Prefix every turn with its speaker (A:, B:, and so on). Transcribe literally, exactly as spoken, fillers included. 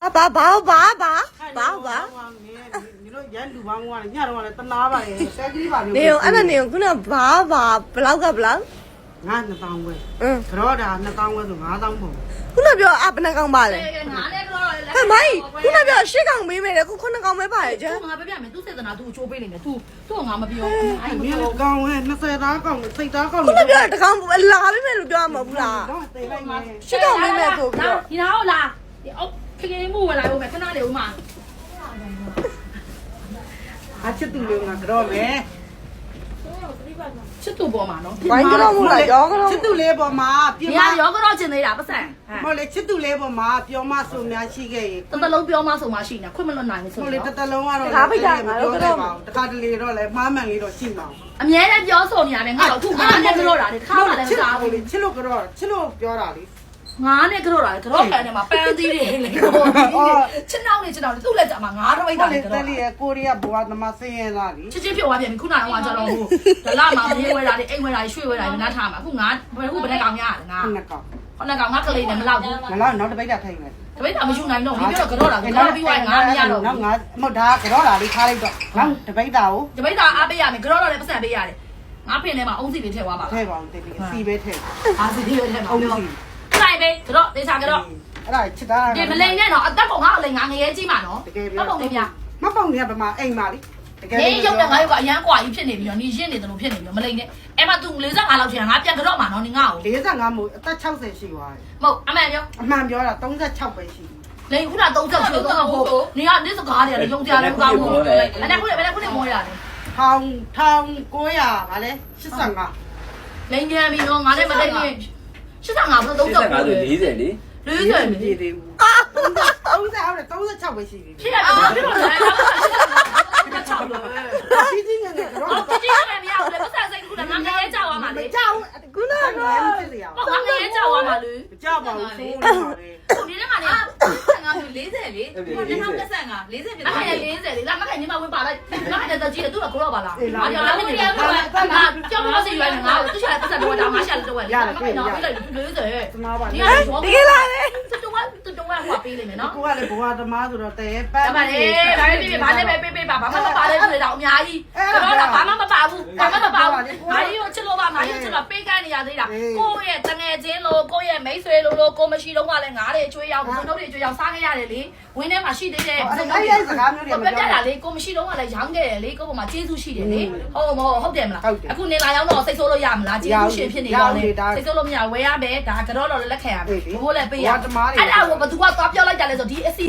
A: 啊，爸爸爸爸爸爸。
B: 你说人路帮我，伢说嘞，等哪吧嘞？谁给你把牛？
A: 你用，俺那你用可能爸爸不老个不老。
B: 俺那当过，
A: 嗯，
B: 可老的那当过就俺当不。
A: 可能表啊不能讲吧嘞。哎妈，可能表谁讲没没嘞？可可能讲没吧嘞？就。
C: 我那边没都在那都做背里面，都都俺们比较。
B: 哎，没有讲喂，那谁打讲，谁打讲？
A: 可能表他讲拉没没路表没不啦？谁讲没没做表？
C: 你然后啦，哦，看见木来我们看哪里嘛？
B: 啊，吃多了啊，可老没。
C: 吃多不嘛喏？
A: 玩个老木来，摇个老。
B: 吃多了不嘛？
C: 你呀，摇个老进来啦，不是？
B: 冇嘞，吃多了不嘛？表妈送面去个。
C: 等到老表妈送嘛去呢，快门了哪里送？
B: 冇嘞，得得老话咯。他不讲，我都嘛。他这里咯来，慢慢里咯进嘛。
C: 啊，明天表送你那边，我吐俺那个老啦的，他那个啥？
B: 吃了个咯，吃了表哪里？
C: 俺那个老啦，个老干的嘛，班子里嘞，哦，吃哪里吃哪里，都来咱嘛，俺都没干的。
B: 这里过里也不话他妈生意哪里？
C: 吃这票外面，苦难话叫老虎，这拉嘛，黑回来的，黑回来，水回来的，那他嘛，苦俺不是不不能讲呀，俺。
B: 那个。
C: 那个俺可怜的没老的。
B: 那老那都别家听嘞。
C: 这边他们兄弟弄，你别个老啦，个比外俺呀咯。
B: 那俺没打个老啦，你看那个，俺这边打哦。
C: 这边打阿贝呀，没个老啦，不是阿贝呀的。俺骗的嘛，翁子里贴话嘛。
B: 贴吧，这里四百贴。
C: 啊，是贴贴嘛。
B: 翁子。
C: 来呗，个老，你啥个老？
B: အဲ့ဒါချစ်တာ
C: ဒီမလိန်နဲ့တော့အသက်ပုံကလိန်ငါငရဲကြီးမှာနော်မပုံနေပြ
B: မပေါင်နေပါမှာအိမ်မှာလေတကယ်
C: နေရုပ်နဲ့ငါရုပ်ကအရန်ကွာကြီးဖြစ်နေပြီနော်နေရင်းနေတယ်လို့ဖြစ်နေပြီမလိန်နဲ့အဲ့မှာ तू ၄၅လောက်ချင်ငါပြန်ကြော့မှာနော်နေငါ့ကို
B: ၄၅မို့အသက်၆၀ရှိသွားတယ်
C: မဟုတ်အမှန်ပြော
B: အမှန်ပြောတာ၃၆ပဲရှိတယ်
C: လိန်ခုန၃၆ချို့တော့ဟုတ်နေကနေ့စကားတွေကလည်းယုံကြတယ်ကောင်းဘူးအဲ့ဒါခုလည်းဘယ်ခုလည်းမောရတယ်
B: ထောင်ထောင်၉၀၀ဗာလဲ၈၅
C: လိန်ကြမ်းပြီနော်ငါလည်းမသိဘူး၈၅ဘယ်တော့၃၆
D: လေးလေးလေ
C: လေးတယ်
B: မကြည့်သေးဘူးအာ၃၀ဟုတ်တယ်၃၆ပဲရှိပြီ
C: ဖြစ်ရတယ်ဖြစ်လို့လည်းအဲ့ဒါ၆လို့
B: ကြီးကြီးငယ်ငယ်တော့
C: ဟုတ်ကြည့်ရတယ်မရဘူးလေပတ်သက်စိတ်ခုလည်းငါငရဲကြောက်သွားမှာ
B: မ
C: လေ
B: ကြောက်ခုနကလည်းဖြစ်စရာ
C: ဟုတ်ငါငရဲကြောက်သွားမှာလေ
B: မကြောက်ပါဘူးဆိုးနေပါလေ
C: ဟိုဒီနေ့မှနေငါမျိုး၄၀လေဒီနေ့မှ၂၅ ၄၀ဖြစ်တယ်အဲ့ဒါ၄၀လေလာမခိုင်နေမှာဝင်ပါလိုက်ငါအဲ့ဒါကြည့်တယ်သူကကိုတော့ပါလားငါကြောက်လာနေတယ်ငါကြောက်လို့စီရွယ်ငါသူရှာပတ်သက်တော့ငါရှာလို့တော့ရတယ်ငါခိုင်တော့ပြီးလိုက်၄၀
B: သမားပါ
A: ဒီကလာလေ
C: တူတူကတူတူကဟောပေးလိမ့်မယ်နော်
B: ကိုကလည်းဘဝသမားဆိုတော့တဲပန်း
C: ဒါပါလေဒါပဲပြပြဘာလဲပဲပေးပေးပါဘာမှမပါလဲဆိုတော့အများကြီးကတော့ဘာမှမပါဘူးဘာမှမပါဘူးငါကြီးကိုချစ်လို့ပါငါကြီးချစ်လို့ပေးကမ်းနေရသေးတာကိုယ့်ရဲ့တငယ်ချင်းလို့ကိုယ့်ရဲ့မိတ်ဆွေလို့လို့ကိုမရှိတော့ကလည်းငါးတွေကျွေးရောက်ဘုံတို့တွေကျွေးရောက်စားခဲ့ရတယ်လေဝင်းထဲမှာရှိသေးတယ်ဘုံတို့တွေစကားမျိုးတွေမပြောတာလေကိုမရှိတော့ကလည်းရောင်းခဲ့တယ်လေကိုပေါ်မှာကျေးဇူးရှိတယ်လေဟုတ်မဟုတ်ဟုတ်တယ်မလားအခုနေလာရောက်တော့စိတ်ဆိုးလို့ရမလားကျေးဇူးရှင်ဖြစ်နေတော့လေစိတ်ဆိုးလို့မရဝယ်ရမယ်ဒါကတော့တော့လက်ခံရမယ်ဘိုးလည်းပေးရအဲ့ဒါကိုဘသူကသွားပြောလိုက်ကြလဲဆိုဒီအစီ